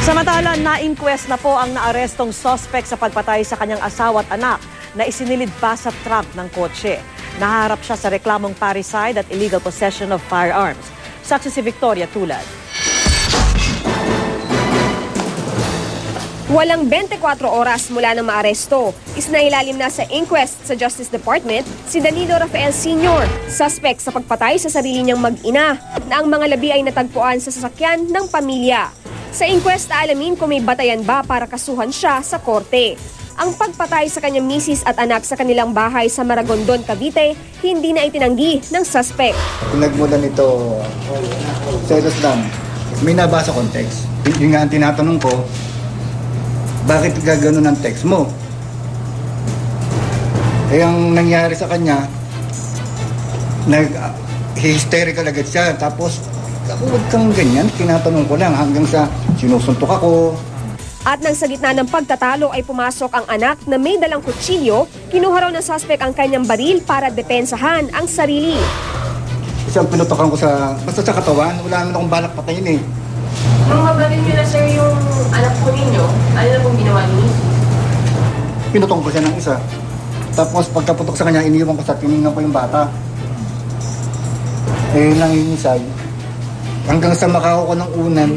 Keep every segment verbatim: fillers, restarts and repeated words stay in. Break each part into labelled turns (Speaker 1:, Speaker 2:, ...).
Speaker 1: Samantala, na-inquest na po ang naarestong suspect sa pagpatay sa kanyang asawa at anak na isinilid pa sa trunk ng kotse. Naharap siya sa reklamong parricide at illegal possession of firearms. Saksi si Victoria Tulad.
Speaker 2: Walang twenty-four oras mula nang maaresto. Isnailalim na sa inquest sa Justice Department si Danilo Rafael Senior, suspect sa pagpatay sa sarili niyang mag-ina na ang mga labi ay natagpuan sa sasakyan ng pamilya. Sa inquest, aalamin kung may batayan ba para kasuhan siya sa korte. Ang pagpatay sa kanyang misis at anak sa kanilang bahay sa Maragondon, Cavite, hindi na itinanggi ng suspect.
Speaker 3: Pinagmula nito, selos lang, may nabasa kong text. Yung nga ang tinatanong ko, bakit gagano ng text mo? Eh, ang nangyari sa kanya, nag-hysterical agad siya. Tapos, huwag kang ganyan, tinatanong ko lang hanggang sa sinusuntok ako.
Speaker 2: At nang sa gitna ng pagtatalo ay pumasok ang anak na may dalang kutsilyo, kinuha raw ng suspect ang kanyang baril para depensahan ang sarili.
Speaker 3: Isang pinutokan ko sa, basta sa katawan, wala naman akong balak patayin eh.
Speaker 4: Nung mabalin nyo na sir yung anak po ninyo, ano na pong ginawa niyo?
Speaker 3: Pinutong ko siya ng isa. Tapos pagkaputok sa kanya, iniwan ko sa tinignan ko yung bata. Eh, nangingisay. Hanggang sa makaho ko ng unan,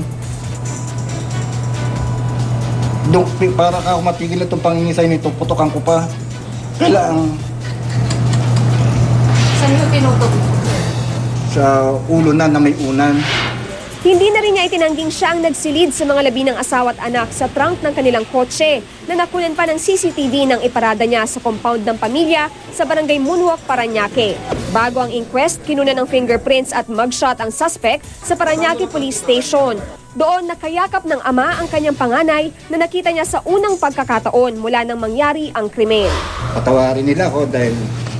Speaker 3: Duk, para ako matigil na itong pangingisay nito, putokan ko pa. Kailangan.
Speaker 4: Saan nyo pinutok?
Speaker 3: Sa ulo na na may unan.
Speaker 2: Hindi na rin niya itinangging siya ang nagsilid sa mga labi ng asawa at anak sa trunk ng kanilang kotse na nakunan pa ng C C T V nang iparada niya sa compound ng pamilya sa barangay Moonwalk, Parañaque. Bago ang inquest, kinunan ng fingerprints at mugshot ang suspect sa Parañaque Police Station. Doon nakayakap ng ama ang kanyang panganay na nakita niya sa unang pagkakataon mula nang mangyari ang krimen.
Speaker 3: Patawarin nila ako dahil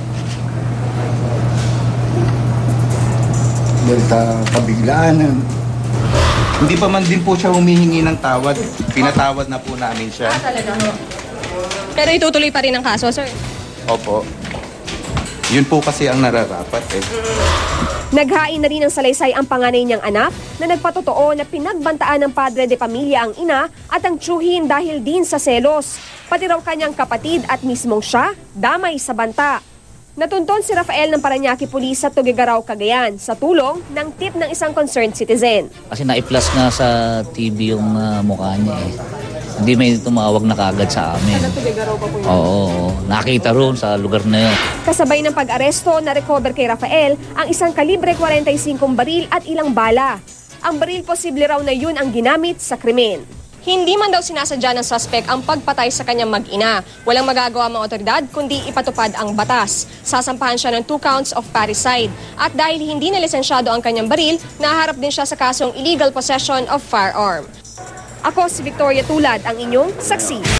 Speaker 3: dahil sa kabiglaan.
Speaker 5: Hindi pa man din po siya humihingi ng tawad. Pinatawad na po namin siya.
Speaker 4: Ah, talaga no?
Speaker 2: Pero itutuloy pa rin ang kaso, sir?
Speaker 5: Opo. Yun po kasi ang nararapat eh.
Speaker 2: Naghain na rin ng salaysay ang panganay niyang anak na nagpatotoo na pinagbantaan ng padre de pamilya ang ina at ang tiyuhin dahil din sa selos. Pati raw kanyang kapatid at mismong siya, damay sa banta. Natunton si Rafael ng Parañaque Police sa Tuguegarao, Cagayan sa tulong ng tip ng isang concerned citizen.
Speaker 6: Kasi na-i-plus na sa T V yung uh, mukha niya eh. Hindi may tumawag na kagad sa amin.
Speaker 4: Sa Tuguegarao pa po yun?
Speaker 6: Oo, oo. Nakita roon sa lugar na yun.
Speaker 2: Kasabay ng pag-aresto, na-recover kay Rafael ang isang kalibre forty-five baril at ilang bala. Ang baril posible raw na yun ang ginamit sa krimen. Hindi man daw sinasadya ng suspect ang pagpatay sa kanyang mag-ina. Walang magagawa mga otoridad kundi ipatupad ang batas. Sasampahan siya ng two counts of parricide. At dahil hindi na lisensyado ang kanyang baril, naharap din siya sa kasong illegal possession of firearm. Ako si Victoria Tulad, ang inyong saksi.